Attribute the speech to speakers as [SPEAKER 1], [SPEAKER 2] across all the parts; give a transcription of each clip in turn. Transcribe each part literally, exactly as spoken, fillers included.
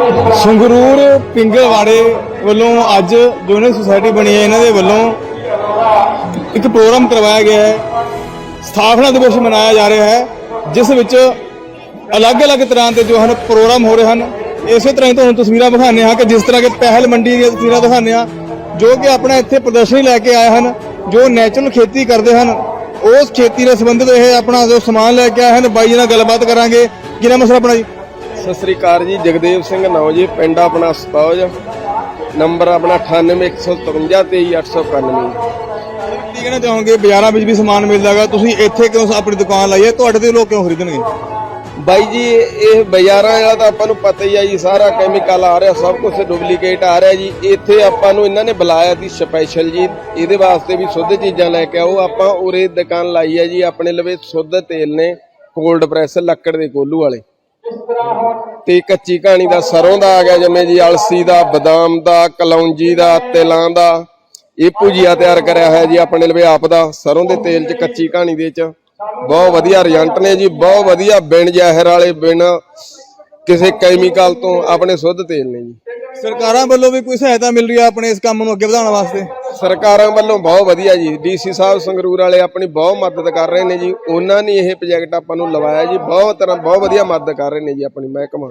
[SPEAKER 1] ਸੰਗਰੂਰ ਪਿੰਗਲਵਾੜੇ ਵੱਲੋਂ ਅੱਜ zonal society ਬਣੀ ਹੈ, ਇਹਨਾਂ ਦੇ ਵੱਲੋਂ ਇੱਕ ਪ੍ਰੋਗਰਾਮ ਕਰਵਾਇਆ ਗਿਆ ਹੈ। ਸਥਾਪਨਾ ਦਿਵਸ ਮਨਾਇਆ ਜਾ ਰਿਹਾ ਹੈ, ਜਿਸ ਵਿੱਚ ਅਲੱਗ-ਅਲੱਗ ਤਰ੍ਹਾਂ ਦੇ ਜੋ ਹਨ ਪ੍ਰੋਗਰਾਮ ਹੋ ਰਹੇ ਹਨ। ਇਸੇ ਤਰ੍ਹਾਂ ਹੀ ਤੁਹਾਨੂੰ ਤਸਵੀਰਾਂ ਦਿਖਾਉਂਦੇ ਹਾਂ ਕਿ ਜਿਸ ਤਰ੍ਹਾਂ ਕਿ ਪਹਿਲ ਮੰਡੀ ਦੀਆਂ ਤਸਵੀਰਾਂ ਦਿਖਾਉਂਦੇ ਹਾਂ, ਜੋ ਕਿ ਆਪਣਾ ਇੱਥੇ ਪ੍ਰਦਰਸ਼ਨੀ ਲੈ ਕੇ ਆਏ ਹਨ, ਜੋ ਨੈਚੁਰਲ ਖੇਤੀ ਕਰਦੇ ਹਨ। ਉਸ ਖੇਤੀ ਨਾਲ ਸੰਬੰਧਿਤ ਇਹ ਆਪਣਾ ਜੋ ਸਮਾਨ ਲੈ ਕੇ ਆਏ ਹਨ। ਬਾਈ ਜੀ ਨਾਲ ਗੱਲਬਾਤ ਕਰਾਂਗੇ। ਕੀ ਨਾਮ ਹੈ ਸਰ ਆਪਣਾ ਜੀ?
[SPEAKER 2] ਸਤਿ ਸ੍ਰੀ ਅਕਾਲ ਜੀ, ਜਗਦੇਵ ਸਿੰਘ ਨਾਓ ਜੀ, ਪਿੰਡ ਆਪਣਾ ਸਤੌਜ, ਨੰਬਰ ਆਪਣਾ ਅਠਾਨਵੇਂ ਇੱਕ ਸੌ ਤਰਵੰਜਾ ਤੇਈ ਅੱਠ ਸੌ ਇਕਾਨਵੇਂ।
[SPEAKER 1] ਕੀ ਕਹਿਣਾ ਚਾਹੋਗੇ, ਬਾਜ਼ਾਰਾਂ ਵਿੱਚ ਵੀ ਸਮਾਨ ਮਿਲਦਾ ਹੈਗਾ, ਤੁਸੀਂ ਇੱਥੇ ਕਿਉਂ ਆਪਣੀ ਦੁਕਾਨ ਲਾਈ ਹੈ? ਤੁਹਾਡੇ ਤੋਂ ਲੋਕ ਕਿਉਂ ਖਰੀਦਣਗੇ?
[SPEAKER 2] ਬਾਈ ਜੀ ਇਹ ਬਾਜ਼ਾਰਾਂ ਵਾਲਾ ਤਾਂ ਆਪਾਂ ਨੂੰ ਪਤਾ ਹੀ ਆ ਜੀ, ਸਾਰਾ ਕੈਮੀਕਲ ਆ ਰਿਹਾ, ਸਭ ਕੁਝ ਡੁਪਲੀਕੇਟ ਆ ਰਿਹਾ ਜੀ। ਇੱਥੇ ਆਪਾਂ ਨੂੰ ਇਹਨਾਂ ਨੇ ਬੁਲਾਇਆ ਸੀ ਸਪੈਸ਼ਲ ਜੀ, ਇਹਦੇ ਵਾਸਤੇ ਵੀ ਸ਼ੁੱਧ ਚੀਜ਼ਾਂ ਲੈ ਕੇ ਆਓ। ਆਪਾਂ ਉਰੇ ਦੁਕਾਨ ਲਾਈ ਹੈ ਜੀ, ਆਪਣੇ ਲਵੇ ਸ਼ੁੱਧ ਤੇਲ ਨੇ, ਕੋਲਡ ਪ੍ਰੈਸ ਲੱਕੜ ਦੇ ਕੋਲੂ ਵਾਲੇ, ਤੇ ਕੱਚੀ ਕਹਾਣੀ ਦਾ ਸਰੋਂ ਦਾ ਆ ਗਿਆ, ਜਿਵੇਂ ਜੀ ਅਲਸੀ ਦਾ, ਬਦਾਮ ਦਾ, ਕਲੌਂਜੀ ਦਾ, ਤਿਲਾਂ ਦਾ। ਇਹ ਭੁਜੀਆ ਤਿਆਰ ਕਰਿਆ ਹੋਇਆ ਜੀ ਆਪਣੇ ਲਵੇ ਆਪ ਦਾ, ਸਰੋਂ ਦੇ ਤੇਲ 'ਚ, ਕੱਚੀ ਕਹਾਣੀ ਦੇ 'ਚ। ਬਹੁਤ ਵਧੀਆ ਰਿਜ਼ਲਟ ਨੇ ਜੀ, ਬਹੁਤ ਵਧੀਆ, ਬਿਨ ਜ਼ਹਿਰ ਵਾਲੇ, ਬਿਨ ਕਿਸੇ ਕੈਮੀਕਲ ਤੋਂ ਆਪਣੇ ਸ਼ੁੱਧ ਤੇਲ ਨੇ ਜੀ।
[SPEAKER 1] ਸਰਕਾਰਾਂ ਵੱਲੋਂ ਵੀ ਕੋਈ ਸਹਾਇਤਾ ਮਿਲ ਰਹੀ ਹੈ ਆਪਣੇ ਇਸ ਕੰਮ ਨੂੰ ਅੱਗੇ ਵਧਾਉਣ ਵਾਸਤੇ?
[SPEAKER 2] ਸਰਕਾਰਾਂ ਵੱਲੋਂ ਬਹੁਤ ਵਧੀਆ ਜੀ, ਡੀਸੀ ਸਾਹਿਬ ਸੰਗਰੂਰ ਵਾਲੇ ਆਪਣੀ ਬਹੁਤ ਮਦਦ ਕਰ ਰਹੇ ਨੇ ਜੀ। ਉਹਨਾਂ ਨੇ ਇਹ ਪ੍ਰੋਜੈਕਟ ਆਪਾਂ ਨੂੰ ਲਵਾਇਆ ਜੀ, ਬਹੁਤ ਤਰ੍ਹਾਂ ਬਹੁਤ ਵਧੀਆ ਮਦਦ ਕਰ ਰਹੇ ਨੇ ਜੀ ਆਪਣੀ ਮਹਿਕਮਾ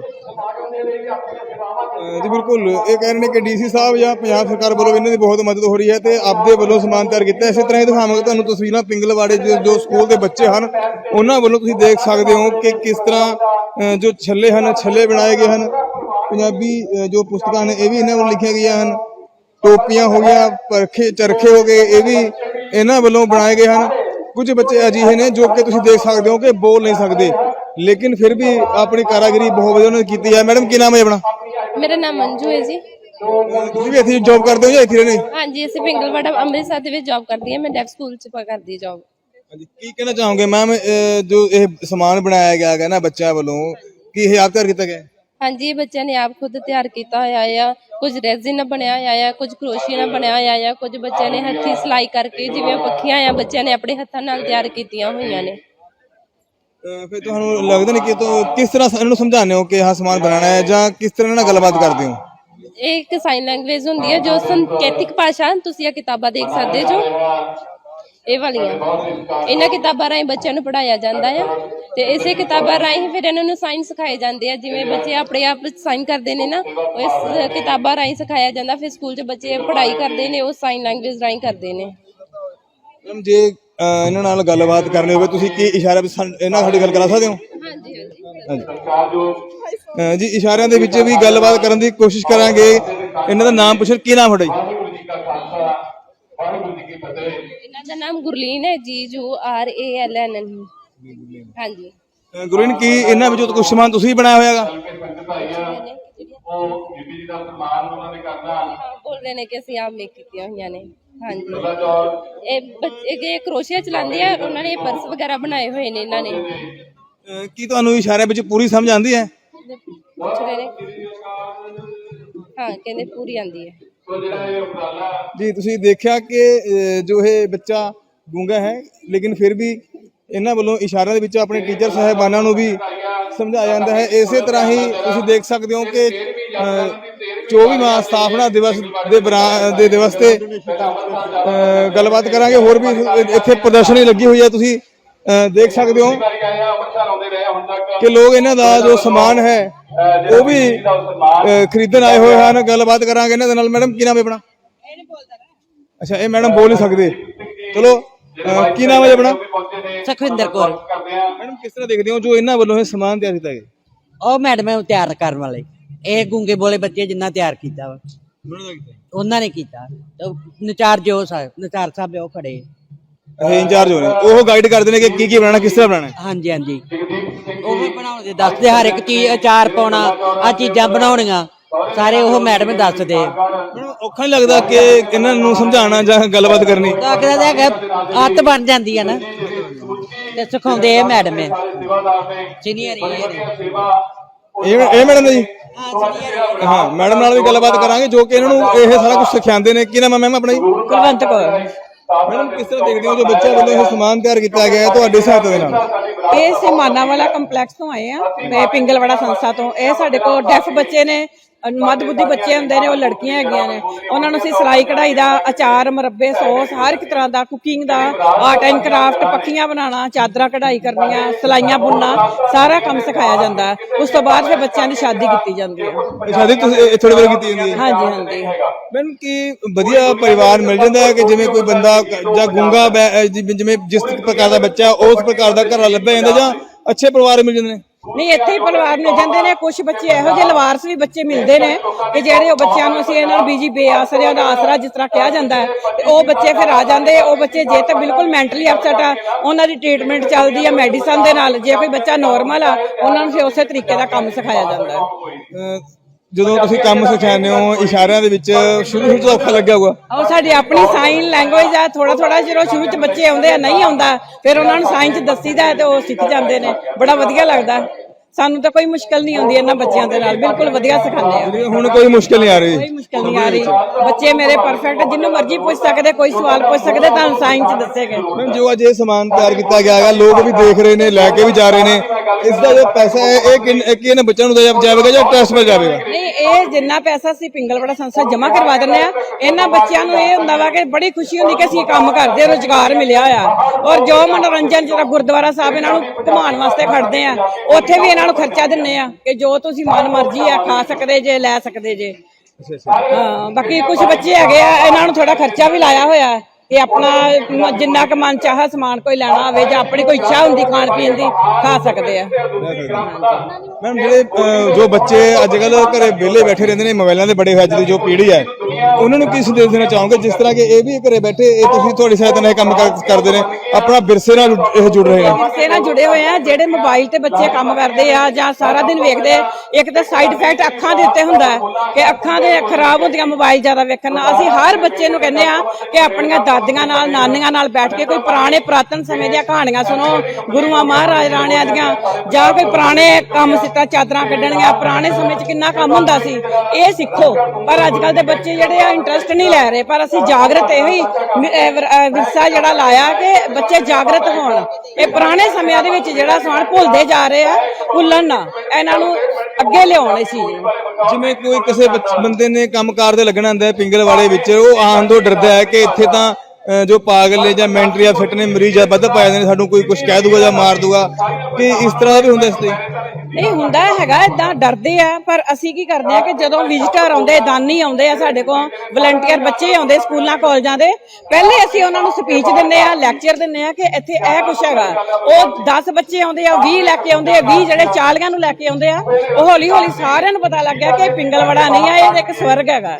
[SPEAKER 1] ਜੀ। ਬਿਲਕੁਲ, ਇਹ ਕਹਿ ਰਹੇ ਨੇ ਕਿ ਡੀਸੀ ਸਾਹਿਬ ਜਾਂ ਪੰਜਾਬ ਸਰਕਾਰ ਵੱਲੋਂ ਇਹਨਾਂ ਦੀ ਬਹੁਤ ਮਦਦ ਹੋ ਰਹੀ ਹੈ ਤੇ ਆਪਦੇ ਵੱਲੋਂ ਸਮਾਨ ਤਿਆਰ ਕੀਤਾ। ਇਸੇ ਤਰ੍ਹਾਂ ਹੀ ਦਿਖਾਵਾਂਗੇ ਤੁਹਾਨੂੰ ਤਸਵੀਰਾਂ ਪਿੰਗਲਵਾੜੇ ਜੋ ਜੋ ਸਕੂਲ ਦੇ ਬੱਚੇ ਹਨ ਉਹਨਾਂ ਵੱਲੋਂ। ਤੁਸੀਂ ਦੇਖ ਸਕਦੇ ਹੋ ਕਿ ਕਿਸ ਤਰ੍ਹਾਂ ਜੋ ਛੱਲੇ ਹਨ, ਛੱਲੇ ਬਣਾਏ ਗਏ ਹਨ। ਪੰਜਾਬੀ ਜੋ ਪੁਸਤਕਾਂ ਨੇ ਇਹ ਵੀ ਇਹਨਾਂ ਵੱਲੋਂ ਲਿਖੀਆਂ ਗਈਆਂ ਹਨ। ਟੋਪੀਆਂ ਹੋ ਗਈਆਂ, ਪਰਖੇ ਚਰਖੇ ਹੋ ਗਏ, ਇਹ ਵੀ ਇਹਨਾਂ ਵੱਲੋਂ ਬਣਾਏ ਗਏ ਹਨ। ਕੁਝ ਬੱਚੇ ਅਜਿਹੇ ਨੇ ਜੋ ਕਿ ਤੁਸੀਂ ਦੇਖ ਸਕਦੇ ਹੋ ਕਿ ਬੋਲ ਨਹੀਂ ਸਕਦੇ, ਲੇਕਿਨ ਫਿਰ ਵੀ ਆਪਣੀ ਕਾਰਾਗਰੀ ਬਹੁਤ ਵਧੀਆ ਉਹਨਾਂ ਨੇ ਕੀਤੀ ਹੈ। ਮੈਡਮ ਕੀ ਨਾਮ ਹੈ ਆਪਣਾ?
[SPEAKER 3] ਮੇਰਾ ਨਾਮ ਮੰਜੂ ਹੈ ਜੀ।
[SPEAKER 1] ਤੁਸੀਂ ਵੀ ਇੱਥੇ ਜੌਬ ਕਰਦੇ ਹੋ ਜਾਂ ਇੱਥੇ ਰਹਿੰਦੇ?
[SPEAKER 3] ਹਾਂਜੀ, ਅਸੀਂ ਪਿੰਗਲਵਾੜਾ ਅੰਮ੍ਰਿਤਸਰ ਦੇ ਵਿੱਚ ਜੌਬ ਕਰਦੀ ਹਾਂ। ਮੈਂ ਡੈਫ ਸਕੂਲ 'ਚ ਕਰਦੀ ਜੌਬ।
[SPEAKER 1] ਹਾਂਜੀ, ਕੀ ਕਹਿਣਾ ਚਾਹੋਗੇ ਮੈਮ, ਜੋ ਇਹ ਸਮਾਨ ਬਣਾਇਆ ਗਿਆ ਹੈ ਨਾ ਬੱਚਿਆਂ ਵੱਲੋਂ, ਕੀ ਇਹ ਆਪ ਤਿਆਰ ਕੀਤਾ ਗਿਆ?
[SPEAKER 3] ਹਾਂਜੀ, ਇਹ ਬੱਚਿਆਂ ਨੇ ਆਪ ਖੁਦ ਤਿਆਰ ਕੀਤਾ ਹੋਇਆ ਆ। ਕੁਝ ਰੈਜ਼ਿਨ ਨਾਲ ਬਣਿਆ ਹੋਇਆ ਆ, ਕੁਝ ਕਰੋਸ਼ੀਏ ਨਾਲ ਬਣਿਆ ਹੋਇਆ ਆ, ਕੁਝ ਬੱਚਿਆਂ ਨੇ ਹੱਥੀਂ ਸਿਲਾਈ ਕਰਕੇ, ਜਿਵੇਂ ਪੱਖੀਆਂ ਆ, ਬੱਚਿਆਂ ਨੇ ਆਪਣੇ ਹੱਥਾਂ ਨਾਲ ਤਿਆਰ ਕੀਤੀਆਂ ਹੋਈਆਂ ਨੇ।
[SPEAKER 1] ਫਿਰ ਤੁਹਾਨੂੰ ਲੱਗਦਾ ਨਹੀਂ ਕਿ ਤੋ ਕਿਸ ਤਰ੍ਹਾਂ ਇਹਨਾਂ ਨੂੰ ਸਮਝਾਉਂਦੇ ਹੋ ਕਿ ਆਹ ਸਮਾਨ ਬਣਾਉਣਾ ਹੈ, ਜਾਂ ਕਿਸ ਤਰ੍ਹਾਂ ਨਾਲ ਗੱਲਬਾਤ ਕਰਦੇ ਹੋ?
[SPEAKER 3] ਇਹ ਇੱਕ ਸਾਈਨ ਲੈਂਗੁਏਜ ਹੁੰਦੀ ਹੈ, ਜੋ ਸੰਕੇਤਿਕ ਭਾਸ਼ਾ। ਤੁਸੀਂ ਇਹ ਕਿਤਾਬਾਂ ਦੇਖ ਸਕਦੇ ਜੋ ਇਹ ਵਾਲੀਆਂ, ਇਹਨਾਂ ਕਿਤਾਬਾਂ ਰਾਹੀਂ ਬੱਚਿਆਂ ਨੂੰ ਪੜ੍ਹਾਇਆ ਜਾਂਦਾ ਹੈ ਤੇ ਇਸੇ ਕਿਤਾਬਾਂ ਰਾਹੀਂ ਫਿਰ ਇਹਨਾਂ ਨੂੰ ਸਾਈਨ ਸਿਖਾਏ ਜਾਂਦੇ ਆ। ਜਿਵੇਂ ਬੱਚੇ ਆਪਣੇ ਆਪ ਸਾਈਨ ਕਰਦੇ ਨੇ ਨਾ, ਉਹ ਇਸ ਕਿਤਾਬਾਂ ਰਾਹੀਂ ਸਿਖਾਇਆ ਜਾਂਦਾ। ਫਿਰ ਸਕੂਲ 'ਚ ਬੱਚੇ ਪੜ੍ਹਾਈ ਕਰਦੇ ਨੇ, ਉਹ ਸਾਈਨ ਲੈਂਗੁਏਜ ਰਾਹੀਂ ਕਰਦੇ ਨੇ।
[SPEAKER 1] ਮੈਮ ਜੇ ਇਹਨਾਂ ਨਾਲ ਗੱਲਬਾਤ ਕਰਨੀ ਹੋਵੇ, ਤੁਸੀਂ ਕੀ ਇਸ਼ਾਰੇ ਇਹਨਾਂ ਸਾਡੀ ਗੱਲ ਕਰਾ ਸਕਦੇ ਹੋ?
[SPEAKER 3] ਹਾਂਜੀ ਹਾਂਜੀ
[SPEAKER 1] ਜੀ, ਇਸ਼ਾਰਿਆਂ ਦੇ ਵਿੱਚ ਵੀ ਗੱਲਬਾਤ ਕਰਨ ਦੀ ਕੋਸ਼ਿਸ਼ ਕਰਾਂਗੇ। ਇਹਨਾਂ ਦਾ ਨਾਮ ਪੁੱਛਣ, ਕੀ ਨਾਮ ਤੁਹਾਡਾ ਜੀ?
[SPEAKER 3] ਇਹਨਾਂ ਦਾ ਨਾਮ ਗੁਰਲੀਨ ਹੈ ਜੀ, ਜੋ ਆਰ ਏ ਐਲ ਐਨ। ਹਾਂਜੀ
[SPEAKER 1] ਗੁਰਲੀਨ, ਕੀ ਇਹਨਾਂ ਵਿੱਚੋਂ ਕੁਝ ਸਮਾਨ ਤੁਸੀਂ ਬਣਾਇਆ ਹੋਇਆ ਹੈਗਾ?
[SPEAKER 3] ਬੋਲ ਰਹੇ ਨੇ ਕਿ ਅਸੀਂ ਆਪ ਮੇਕ ਕੀਤੀਆਂ ਹੋਈਆਂ ਨੇ। ਹਾਂਜੀ, ਇਹ ਬੱਚੇ ਕਰੋਸ਼ੀਆ ਚਲਾਉਂਦੇ ਆ, ਉਹਨਾਂ ਨੇ ਪਰਸ ਵਗੈਰਾ ਬਣਾਏ ਹੋਏ ਨੇ ਇਹਨਾਂ ਨੇ।
[SPEAKER 1] ਕੀ ਤੁਹਾਨੂੰ ਇਸ਼ਾਰਿਆਂ ਵਿੱਚ ਪੂਰੀ ਸਮਝ ਆਉਂਦੀ ਹੈ?
[SPEAKER 3] ਪੁੱਛ ਰਹੇ ਨੇ, ਹਾਂ ਕਹਿੰਦੇ ਪੂਰੀ ਆਉਂਦੀ ਹੈ
[SPEAKER 1] ਜੀ। ਤੁਸੀਂ ਦੇਖਿਆ ਕਿ ਜੋ ਇਹ ਬੱਚਾ ਗੂੰਗਾ ਹੈ, ਲੇਕਿਨ ਫਿਰ ਵੀ ਇਹਨਾਂ ਵੱਲੋਂ ਇਸ਼ਾਰਿਆਂ ਦੇ ਵਿੱਚ ਆਪਣੇ ਟੀਚਰ ਸਾਹਿਬਾਨਾਂ ਨੂੰ ਵੀ ਸਮਝਾਇਆ ਜਾਂਦਾ ਹੈ। ਇਸੇ ਤਰ੍ਹਾਂ ਹੀ ਤੁਸੀਂ ਦੇਖ ਸਕਦੇ ਹੋ ਕਿ ਚੌਵੀਵਾਂ ਸਥਾਪਨਾ ਦਿਵਸ ਦੇ ਦੇ ਦਿਵਸ ਤੇ ਗੱਲਬਾਤ ਕਰਾਂਗੇ। ਹੋਰ ਵੀ ਇੱਥੇ ਪ੍ਰਦਰਸ਼ਨੀ ਲੱਗੀ ਹੋਈ ਹੈ, ਤੁਸੀਂ ਦੇਖ ਸਕਦੇ ਹੋ ਕਿ ਲੋਕ ਇਹਨਾਂ ਦਾ ਜੋ ਸਮਾਨ ਹੈ ਉਹ ਵੀ ਖਰੀਦਣ ਆਏ ਹੋਏ ਹਨ। ਗੱਲਬਾਤ ਕਰਾਂਗੇ ਇਹਨਾਂ ਦੇ ਨਾਲ। ਮੈਡਮ ਕੀ ਨਾਮ ਹੈ ਆਪਣਾ? ਅੱਛਾ, ਇਹ ਮੈਡਮ ਬੋਲ ਨਹੀਂ ਸਕਦੇ। ਚਲੋ, ਕੀ ਨਾਮ ਹੈ ਆਪਣਾ?
[SPEAKER 4] ਸੁਖਵਿੰਦਰ ਕੌਰ।
[SPEAKER 1] ਮੈਡਮ ਕਿਸ ਤਰ੍ਹਾਂ ਦੇਖਦੇ ਹੋ ਜੋ ਇਹਨਾਂ ਵੱਲੋਂ ਇਹ ਸਮਾਨ ਤਿਆਰ ਕੀਤਾ ਗਿਆ?
[SPEAKER 4] ਉਹ ਮੈਡਮ ਤਿਆਰ ਕਰਨ ਵਾਲੇ, ਇਹ ਗੂੰਗੇ ਬੋਲੇ ਬੱਚੇ ਜਿੰਨਾ ਤਿਆਰ ਕੀਤਾ ਵਾ ਉਹਨਾਂ ਨੇ ਕੀਤਾ। ਨਚਾਰ ਜੋ ਸਾਹਿਬ, ਨਚਾਰ ਸਾਹਿਬ ਉਹ ਖੜੇ,
[SPEAKER 1] ਇਹ ਇੰਚਾਰਜ ਹੋ ਨੇ, ਉਹ ਗਾਈਡ ਕਰਦੇ ਨੇ ਕਿ ਕੀ ਕੀ ਬਣਾਉਣਾ, ਕਿਸ ਤਰ੍ਹਾਂ ਬਣਾਉਣਾ।
[SPEAKER 4] ਹਾਂਜੀ ਹਾਂਜੀ, ਉਹ ਵੀ ਬਣਾਉਣ ਦੱਸਦੇ, ਹਰ ਇੱਕ ਚੀਜ਼ ਅਚਾਰ ਪਾਉਣਾ, ਆ ਚੀਜ਼ਾਂ ਬਣਾਉਣੀਆਂ ਸਾਰੇ ਉਹ ਮੈਡਮ ਦੱਸਦੇ।
[SPEAKER 1] ਔਖਾ ਨਹੀਂ ਲੱਗਦਾ ਕਿ ਇਹਨਾਂ ਨੂੰ ਸਮਝਾਉਣਾ ਜਾਂ ਗੱਲਬਾਤ ਕਰਨੀ?
[SPEAKER 4] ਲੱਗਦਾ ਤਾਂ ਹੈਗਾ, ਆਦਤ ਬਣ ਜਾਂਦੀ ਹੈ ਨਾ, ਤੇ ਸਿਖਾਉਂਦੇ ਇਹ ਮੈਡਮ ਹੈ, ਸੀਨੀਅਰ
[SPEAKER 1] ਇਹ ਇਹ ਮੈਡਮ ਜੀ। ਹਾਂ, ਮੈਡਮ ਨਾਲ ਵੀ ਗੱਲਬਾਤ ਕਰਾਂਗੇ ਜੋ ਕਿ ਇਹਨਾਂ ਨੂੰ ਇਹ ਸਾਰਾ ਕੁਝ ਸਿਖਾਉਂਦੇ ਨੇ। ਕੀ ਨਾਮ ਹੈ ਮੈਮ ਆਪਣਾ ਜੀ?
[SPEAKER 4] ਕੁਲਵੰਤ ਕੌਰ।
[SPEAKER 1] ਮੈਡਮ ਕਿਸ ਤਰ੍ਹਾਂ ਦੇਖਦੇ ਹੋ ਜੋ ਬੱਚਿਆਂ ਵੱਲੋਂ ਇਹ ਸਮਾਨ ਤਿਆਰ ਕੀਤਾ ਗਿਆ ਹੈ ਤੁਹਾਡੀ ਸਹਾਇਤਾ ਦੇ ਨਾਲ?
[SPEAKER 5] ਇਹ ਸਿਮਾਨਾ ਵਾਲਾ ਕੰਪਲੈਕਸ ਤੋਂ ਆਏ ਆ, ਮੈਂ ਪਿੰਗਲਵਾੜਾ ਸੰਸਥਾ ਤੋਂ। ਇਹ ਸਾਡੇ ਕੋਲ ਡੈਫ ਬੱਚੇ ਨੇ ਮੱਧ ਬੁੱਧੀ ਬੱਚੇ ਹੁੰਦੇ ਨੇ, ਉਹ ਲੜਕੀਆਂ ਹੈਗੀਆਂ ਨੇ, ਉਹਨਾਂ ਨੂੰ ਅਸੀਂ ਸਿਲਾਈ ਕਢਾਈ ਦਾ, ਅਚਾਰ, ਮੁਰੱਬੇ, ਸੌਸ, ਹਰ ਇੱਕ ਤਰ੍ਹਾਂ ਦਾ, ਕੁਕਿੰਗ ਦਾ, ਆਰਟ ਐਂਡ ਕਰਾਫਟ, ਪੱਖੀਆਂ ਬਣਾਉਣਾ, ਚਾਦਰਾਂ ਕਢਾਈ ਕਰਨੀਆਂ, ਸਿਲਾਈਆਂ ਬੁਣਨਾ, ਸਾਰਾ ਕੰਮ ਸਿਖਾਇਆ ਜਾਂਦਾ ਹੈ। ਉਸ ਤੋਂ ਬਾਅਦ ਫਿਰ ਬੱਚਿਆਂ ਦੀ ਸ਼ਾਦੀ ਕੀਤੀ ਜਾਂਦੀ ਹੈ।
[SPEAKER 1] ਸ਼ਾਦੀ ਤੁਸੀਂ ਥੋੜੇ ਵੇਲੇ ਕੀਤੀ ਜਾਂਦੀ ਹੈ?
[SPEAKER 5] ਹਾਂਜੀ ਹਾਂਜੀ।
[SPEAKER 1] ਮੈਡਮ ਕੀ ਵਧੀਆ ਪਰਿਵਾਰ ਮਿਲ ਜਾਂਦਾ ਹੈ ਕਿ ਜਿਵੇਂ ਕੋਈ ਬੰਦਾ ਜਾਂ ਗੂੰਗਾ ਬੈ- ਜਿਵੇਂ ਜਿਵੇਂ ਜਿਸ ਪ੍ਰਕਾਰ ਦਾ ਬੱਚਾ ਉਸ ਪ੍ਰਕਾਰ ਦਾ ਘਰ ਲੱਭਿਆ ਜਾਂਦਾ, ਜਾਂ ਅੱਛੇ ਪਰਿਵਾਰ ਮਿਲ ਜਾਂਦੇ ਨੇ?
[SPEAKER 5] ਨਹੀਂ, ਇੱਥੇ ਹੀ ਪਰਿਵਾਰ ਮਿਲ ਜਾਂਦੇ ਨੇ। ਕੁਝ ਬੱਚੇ ਇਹੋ ਜਿਹੇ ਲਵਾਰਸ ਵੀ ਬੱਚੇ ਮਿਲਦੇ ਨੇ ਕਿ ਜਿਹੜੇ ਉਹ ਬੱਚਿਆਂ ਨੂੰ ਅਸੀਂ ਇਹਨਾਂ ਨੂੰ ਬੀਜੀ ਬੇਆਸਰਿਆਂ ਦਾ ਆਸਰਾ ਜਿਸ ਤਰ੍ਹਾਂ ਕਿਹਾ ਜਾਂਦਾ ਹੈ, ਤੇ ਉਹ ਬੱਚੇ ਫਿਰ ਆ ਜਾਂਦੇ। ਉਹ ਬੱਚੇ ਜੇ ਤਾਂ ਬਿਲਕੁਲ ਮੈਂਟਲੀ ਅਪਸੈਟ ਆ, ਉਹਨਾਂ ਦੀ ਟ੍ਰੀਟਮੈਂਟ ਚੱਲਦੀ ਹੈ ਮੈਡੀਸਨ ਦੇ ਨਾਲ। ਜੇ ਕੋਈ ਬੱਚਾ ਨੋਰਮਲ ਆ, ਉਹਨਾਂ ਨੂੰ ਫਿਰ ਉਸੇ ਤਰੀਕੇ ਦਾ ਕੰਮ ਸਿਖਾਇਆ ਜਾਂਦਾ ਹੈ।
[SPEAKER 1] ਅਹ ਜਦੋਂ ਤੁਸੀਂ ਕੰਮ ਸਿਖਾਉਂਦੇ ਹੋ ਇਸ਼ਾਰਿਆਂ ਦੇ ਵਿੱਚ, ਸ਼ੁਰੂ ਸ਼ੁਰੂ ਤੋਂ ਔਖਾ ਲੱਗਿਆ ਹੋਊਗਾ?
[SPEAKER 5] ਉਹ ਸਾਡੀ ਆਪਣੀ ਸਾਈਨ ਲੈਂਗੁਏਜ ਆ। ਥੋੜਾ ਥੋੜਾ ਜਦੋਂ ਸ਼ੁਰੂ ਚ ਬੱਚੇ ਆਉਂਦੇ ਆ, ਨਹੀਂ ਆਉਂਦਾ, ਫਿਰ ਉਹਨਾਂ ਨੂੰ ਸਾਈਨ ਚ ਦੱਸੀਦਾ ਹੈ ਤੇ ਉਹ ਸਿੱਖ ਜਾਂਦੇ ਨੇ। ਬੜਾ ਵਧੀਆ ਲੱਗਦਾ। ਸਾਨੂੰ ਤਾਂ ਕੋਈ ਮੁਸ਼ਕਲ ਨਹੀਂ ਆਉਂਦੀ ਇਹਨਾਂ ਬੱਚਿਆਂ ਦੇ ਨਾਲ, ਬਿਲਕੁਲ ਵਧੀਆ ਸਿਖਾਉਂਦੇ ਆ।
[SPEAKER 1] ਹੁਣ ਕੋਈ ਮੁਸ਼ਕਲ ਨਹੀਂ ਆ ਰਹੀ?
[SPEAKER 5] ਕੋਈ ਮੁਸ਼ਕਲ ਨਹੀਂ ਆ ਰਹੀ। ਬੱਚੇ ਮੇਰੇ ਪਰਫੈਕਟ, ਜਿੰਨੂੰ ਮਰਜ਼ੀ ਪੁੱਛ ਸਕਦੇ, ਕੋਈ ਸਵਾਲ ਪੁੱਛ ਸਕਦੇ, ਤੁਹਾਨੂੰ ਸਾਇੰਸ ਚ ਦੱਸੇਗੇ।
[SPEAKER 1] ਮੈਮ ਜੋ ਅੱਜ ਇਹ ਸਮਾਨ ਤਿਆਰ ਕੀਤਾ ਗਿਆ ਹੈਗਾ, ਲੋਕ ਵੀ ਦੇਖ ਰਹੇ ਨੇ, ਲੈ ਕੇ ਵੀ ਜਾ ਰਹੇ ਨੇ, ਇਸ ਦਾ ਜੋ ਪੈਸਾ ਹੈ ਇਹ ਕਿੰਨ- ਇਹ ਕੀ ਇਹਨਾਂ ਬੱਚਿਆਂ ਨੂੰ ਦਿਆ ਜਾਵੇਗਾ ਜਾਂ ਟੈਸਟ ਪਰ ਜਾਵੇਗਾ?
[SPEAKER 5] ਨਹੀਂ, ਇਹ ਜਿੰਨਾ ਪੈਸਾ ਅਸੀਂ ਪਿੰਗਲਵਾੜਾ ਸੰਸਥਾ ਜਮ੍ਹਾਂ ਕਰਵਾ ਦਿੰਦੇ ਆ, ਇਹਨਾਂ ਬੱਚਿਆਂ ਨੂੰ ਇਹ ਹੁੰਦਾ ਵਾ ਕਿ ਬੜੀ ਖੁਸ਼ੀ ਹੁੰਦੀ ਕਿ ਅਸੀਂ ਕੰਮ ਕਰਦੇ, ਰੁਜ਼ਗਾਰ ਮਿਲਿਆ ਆ। ਔਰ ਜੋ ਮਨੋਰੰਜਨ ਜਿਹੜਾ ਗੁਰਦੁਆਰਾ ਸਾਹਿਬ ਇਹਨਾਂ ਨੂੰ ਘੁਮਾਉਣ ਵਾਸਤੇ ਖੜਦੇ ਆ, ਉੱਥੇ ਵੀ ਇਹਨਾਂ ਨੂੰ ਖਰਚਾ ਦਿੰਨੇ ਆ ਕਿ ਜੋ ਤੁਸੀਂ ਮਨ ਮਰਜ਼ੀ ਆ ਖਾ ਸਕਦੇ ਜੇ, ਲੈ ਸਕਦੇ ਜੇ। ਹਾਂ, ਬਾਕੀ ਕੁਝ ਬੱਚੇ ਹੈਗੇ ਆ, ਇਹਨਾਂ ਨੂੰ ਥੋੜਾ ਖਰਚਾ ਵੀ ਲਾਇਆ ਹੋਇਆ ਇਹ ਆਪਣਾ ਮ- ਜਿੰਨਾ ਕੁ ਮਨ ਚਾਹਾ ਸਮਾਨ ਕੋਈ ਲੈਣਾ ਹੋਵੇ ਜਾਂ ਆਪਣੀ ਕੋਈ ਇੱਛਾ ਹੁੰਦੀ ਖਾਣ ਪੀਣ ਦੀ, ਖਾ ਸਕਦੇ ਆ।
[SPEAKER 1] ਮੈਮ ਜਿਹੜੇ ਅਹ, ਜੋ ਬੱਚੇ ਅੱਜ ਕੱਲ ਘਰੇ ਵਿਹਲੇ ਬੈਠੇ ਰਹਿੰਦੇ ਨੇ, ਮੋਬਾਈਲਾਂ ਦੇ ਬੜੇ ਹੋਏ, ਅੱਜ ਦੀ ਜੋ ਪੀੜ੍ਹੀ ਹੈ, ਉਹਨਾਂ ਨੂੰ ਕੀ ਸੰਦੇਸ਼ ਦੇਣਾ ਚਾਹੋਗੇ? ਜਿਸ ਤਰ੍ਹਾਂ ਕਿ ਇਹ ਵੀ ਘਰੇ ਬੈਠੇ, ਇਹ ਤੁਸੀਂ ਤੁਹਾਡੀ ਸਹਾਇਤਾ ਨਾਲ ਇਹ ਕੰਮ ਕਰ- ਕਰਦੇ ਨੇ, ਆਪਣਾ ਵਿਰਸੇ ਨਾਲ ਇਹ ਜੁੜ ਰਹੇ ਨੇ।
[SPEAKER 5] ਵਿਰਸੇ ਨਾਲ ਜੁੜੇ ਹੋਏ ਆ। ਜਿਹੜੇ ਮੋਬਾਈਲ ਤੇ ਬੱਚੇ ਕੰਮ ਕਰਦੇ ਆ ਜਾਂ ਸਾਰਾ ਦਿਨ ਵੇਖਦੇ, ਇੱਕ ਤਾਂ ਸਾਈਡ ਇਫੈਕਟ ਅੱਖਾਂ ਦੇ ਉੱਤੇ ਹੁੰਦਾ ਹੈ ਕਿ ਅੱਖਾਂ ਦੇ ਖਰਾਬ ਹੁੰਦੀਆਂ ਮੋਬਾਈਲ ਜ਼ਿਆਦਾ ਵੇਖਣ ਨਾਲ। ਅਸੀਂ ਹਰ ਬੱਚੇ ਨੂੰ ਕਹਿੰਦੇ ਆ ਕਿ ਆਪਣੀਆਂ ਦਾਦੀਆਂ ਨਾਲ, ਨਾਨੀਆਂ ਨਾਲ ਬੈਠ ਕੇ ਕੋਈ ਪੁਰਾਣੇ ਪੁਰਾਤਨ ਸਮੇਂ ਦੀਆਂ ਕਹਾਣੀਆਂ ਸੁਣੋ, ਗੁਰੂਆਂ ਮਹਾਰਾਜ ਰਾਣਿਆਂ ਦੀਆਂ, ਜਾਂ ਕੋਈ ਪੁਰਾਣੇ ਕੰਮ ਸਿੱਟਾ ਚਾਦਰਾਂ ਕੱਢਣੀਆਂ, ਪੁਰਾਣੇ ਸਮੇਂ 'ਚ ਕਿੰਨਾ ਕੰਮ ਹੁੰਦਾ ਸੀ, ਇਹ ਸਿੱਖੋ। ਪਰ ਅੱਜ ਕੱਲ ਦੇ ਬੱਚੇ ਜਿਹੜੇ ਆ ਇੰਟਰਸਟ ਨਹੀਂ ਲੈ ਰਹੇ। ਪਰ ਅਸੀਂ ਜਾਗਰਤ ਇਹੋ ਹੀ ਵਿਰਸਾ ਜਿਹੜਾ ਲਾਇਆ ਕਿ ਬੱਚੇ ਜਾਗਰਤ ਹੋਣ। ਇਹ ਪੁਰਾਣੇ ਸਮਿਆਂ ਦੇ ਵਿੱਚ ਜਿਹੜਾ ਸਮਾਨ ਭੁੱਲਦੇ ਜਾ ਰਹੇ ਆ, ਭੁੱਲਣ ਨਾ, ਇਹਨਾਂ ਨੂੰ ਅੱਗੇ ਲਿਆਉਣ ਇਸ ਚੀਜ਼ ਨੂੰ।
[SPEAKER 1] ਜਿਵੇਂ ਕੋਈ ਕਿਸੇ ਬੱਚ- ਬੰਦੇ ਨੇ ਕੰਮਕਾਰ ਦੇ ਲੱਗਣਾ ਹੁੰਦਾ ਹੈ ਪਿੰਗਲਵਾੜੇ ਵਿੱਚ, ਉਹ ਆਉਣ ਤੋਂ ਡਰਦਾ ਹੈ ਕਿ ਇੱਥੇ ਤਾਂ ਅਹ, ਜੋ ਪਾਗਲ ਨੇ ਜਾਂ ਮੈਂਟਲੀ ਅਪਸੈਟ ਨੇ, ਮਰੀਜ਼ ਆ ਵੱਧ ਪਾ ਜਾਂਦੇ ਨੇ, ਸਾਨੂੰ ਕੋਈ ਕੁਝ ਕਹਿ ਦੂਗਾ ਜਾਂ ਮਾਰ ਦੂਗਾ, ਕਿ ਇਸ ਤਰ੍ਹਾਂ ਦਾ ਵੀ ਹੁੰਦਾ ਇਸ ਤੇ?
[SPEAKER 5] ਨਹੀਂ ਹੁੰਦਾ ਹੈਗਾ, ਏਦਾਂ ਡਰਦੇ ਆ। ਪਰ ਅਸੀਂ ਕੀ ਕਰਦੇ ਆ ਕਿ ਜਦੋਂ ਵਿਜ਼ਿਟਰ ਆਉਂਦੇ, ਦਾਨੀ ਆਉਂਦੇ ਆ ਸਾਡੇ ਕੋਲ, ਵਲੰਟੀਅਰ ਬੱਚੇ ਆਉਂਦੇ ਸਕੂਲਾਂ ਕਾਲਜਾਂ ਦੇ, ਪਹਿਲੇ ਅਸੀਂ ਉਹਨਾਂ ਨੂੰ ਸਪੀਚ ਦਿੰਦੇ ਆ, ਲੈਕਚਰ ਦਿੰਦੇ ਆ ਕਿ ਇੱਥੇ ਇਹ ਕੁਛ ਹੈਗਾ। ਉਹ ਦਸ ਬੱਚੇ ਆਉਂਦੇ ਆ, ਵੀਹ ਲੈ ਕੇ ਆਉਂਦੇ ਆ, ਵੀਹ ਜਿਹੜੇ ਚਾਲੀਆਂ ਨੂੰ ਲੈ ਕੇ ਆਉਂਦੇ ਆ। ਉਹ ਹੌਲੀ ਹੌਲੀ ਸਾਰਿਆਂ ਨੂੰ ਪਤਾ ਲੱਗ ਗਿਆ ਕਿ ਇਹ ਪਿੰਗਲਵਾੜਾ ਨਹੀਂ ਆ, ਇਹ ਇੱਕ ਸਵਰਗ ਹੈਗਾ।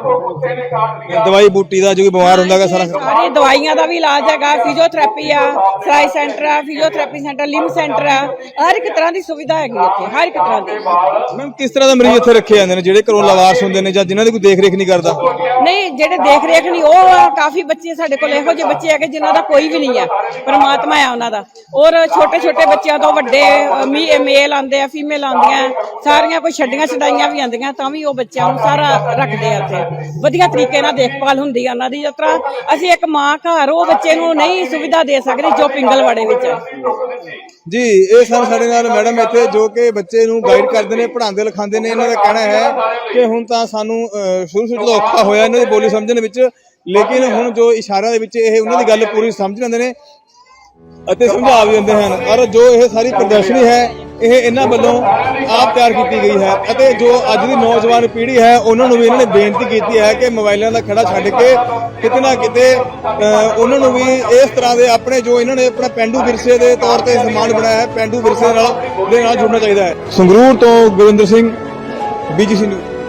[SPEAKER 1] ਦਵਾਈ ਬੂਟੀ ਦਾ ਜੋ ਕੋਈ ਬਿਮਾਰ ਹੁੰਦਾ ਹੈਗਾ ਸਾਰਾ?
[SPEAKER 5] ਸਾਰੀ ਦਵਾਈਆਂ ਦਾ ਵੀ ਇਲਾਜ ਹੈਗਾ, ਫਿਜ਼ੀਓਥੈਰੇਪੀ ਆ, ਸਿਲਾਈ ਸੈਂਟਰ ਆ, ਫਿਜ਼ੀਓਥੈਰੇਪੀ ਸੈਂਟਰ, ਲਿੰਬ ਸੈਂਟਰ ਆ, ਹਰ ਇੱਕ ਤਰ੍ਹਾਂ ਦੀ ਸੁਵਿਧਾ ਹੈਗੀ ਇੱਥੇ, ਹਰ ਇੱਕ ਤਰ੍ਹਾਂ ਦੀ।
[SPEAKER 1] ਮੈਮ ਕਿਸ ਤਰ੍ਹਾਂ ਦੇ ਮਰੀਜ਼ ਇੱਥੇ ਰੱਖੇ ਜਾਂਦੇ ਨੇ, ਜਿਹੜੇ ਘਰੋਂ ਲਵਾਰਸ ਹੁੰਦੇ ਨੇ ਜਾਂ ਜਿਨ੍ਹਾਂ ਦੀ ਕੋਈ ਦੇਖ ਰੇਖ ਨਹੀਂ ਕਰਦਾ?
[SPEAKER 5] ਨਹੀਂ, ਜਿਹੜੇ ਦੇਖ ਰੇਖ ਨਹੀਂ, ਉਹ ਆ ਕਾਫੀ ਬੱਚੇ ਸਾਡੇ ਕੋਲ ਇਹੋ ਜਿਹੇ ਬੱਚੇ ਹੈਗੇ ਜਿਨ੍ਹਾਂ ਦਾ ਕੋਈ ਵੀ ਨਹੀਂ ਆ, ਪਰਮਾਤਮਾ ਆ ਉਹਨਾਂ ਦਾ। ਔਰ ਛੋਟੇ ਛੋਟੇ ਬੱਚਿਆਂ ਤੋਂ ਵੱਡੇ ਮੇਲ ਆਉਂਦੇ ਆ, ਫੀਮੇਲ ਆਉਂਦੀਆਂ, ਸਾਰੀਆਂ ਕੋਈ ਛੱਡੀਆਂ ਛਡਾਈਆਂ ਵੀ ਆਉਂਦੀਆਂ, ਤਾਂ ਵੀ ਉਹ ਬੱਚਿਆਂ ਨੂੰ ਸਾਰਾ ਰੱਖਦੇ ਆ ਇੱਥੇ। ਵਧੀਆ ਤਰੀਕੇ ਨਾਲ ਦੇਖਭਾਲ ਹੁੰਦੀ ਆ ਉਹਨਾਂ ਦੀ। ਜਿਸ ਤਰ੍ਹਾਂ ਅਸੀਂ ਇੱਕ ਮਾਂ ਘਰ ਉਹ ਬੱਚੇ ਨੂੰ ਨਹੀਂ ਸੁਵਿਧਾ ਦੇ ਸਕਦੇ ਜੋ ਪਿੰਗਲਵਾੜੇ ਵਿੱਚ ਹੈ।
[SPEAKER 1] ਜੀ, ਇਹ ਸਨ ਸਾਡੇ ਨਾਲ ਮੈਡਮ ਇੱਥੇ, ਜੋ ਕਿ ਬੱਚੇ ਨੂੰ ਗਾਈਡ ਕਰਦੇ ਨੇ, ਪੜ੍ਹਾਉਂਦੇ ਲਿਖਾਉਂਦੇ ਨੇ। ਇਹਨਾਂ ਦਾ ਕਹਿਣਾ ਹੈ ਕਿ ਹੁਣ ਤਾਂ ਸਾਨੂੰ ਅਹ, ਸ਼ੁਰੂ ਸ਼ੁਰੂ ਤੋਂ ਔਖਾ ਹੋਇਆ ਇਹਨਾਂ ਦੀ ਬੋਲੀ ਸਮਝਣ ਵਿੱਚ, ਲੇਕਿਨ ਹੁਣ ਜੋ ਇਸ਼ਾਰਿਆਂ ਦੇ ਵਿੱਚ ਇਹ ਉਹਨਾਂ ਦੀ ਗੱਲ ਪੂਰੀ ਸਮਝ ਲੈਂਦੇ ਨੇ ਅਤੇ ਸਮਝਾ ਵੀ ਦਿੰਦੇ ਹਨ। ਔਰ ਜੋ ਇਹ ਸਾਰੀ ਪ੍ਰਦਰਸ਼ਨੀ ਹੈ, ਇਹ ਇਹਨਾਂ ਵੱਲੋਂ ਆਪ ਤਿਆਰ ਕੀਤੀ ਗਈ ਹੈ ਅਤੇ ਜੋ ਅੱਜ ਦੀ ਨੌਜਵਾਨ ਪੀੜ੍ਹੀ ਹੈ, ਉਹਨਾਂ ਨੂੰ ਵੀ ਇਹਨਾਂ ਨੇ ਬੇਨਤੀ ਕੀਤੀ ਹੈ ਕਿ ਮੋਬਾਈਲਾਂ ਦਾ ਖੜਾ ਛੱਡ ਕੇ ਕਿਤੇ ਨਾ ਕਿਤੇ ਅਹ, ਉਹਨਾਂ ਨੂੰ ਵੀ ਇਸ ਤਰ੍ਹਾਂ ਦੇ ਆਪਣੇ ਜੋ ਇਹਨਾਂ ਨੇ ਆਪਣਾ ਪੇਂਡੂ ਵਿਰਸੇ ਦੇ ਤੌਰ ਤੇ ਸਮਾਨ ਬਣਾਇਆ ਹੈ, ਪੇਂਡੂ ਵਿਰਸੇ ਨਾਲ ਦੇ ਨਾਲ ਜੁੜਨਾ ਚਾਹੀਦਾ ਹੈ। ਸੰਗਰੂਰ ਤੋਂ ਗੁਰਿੰਦਰ ਸਿੰਘ, ਬੀਜੀਸੀ ਨਿਊਜ਼।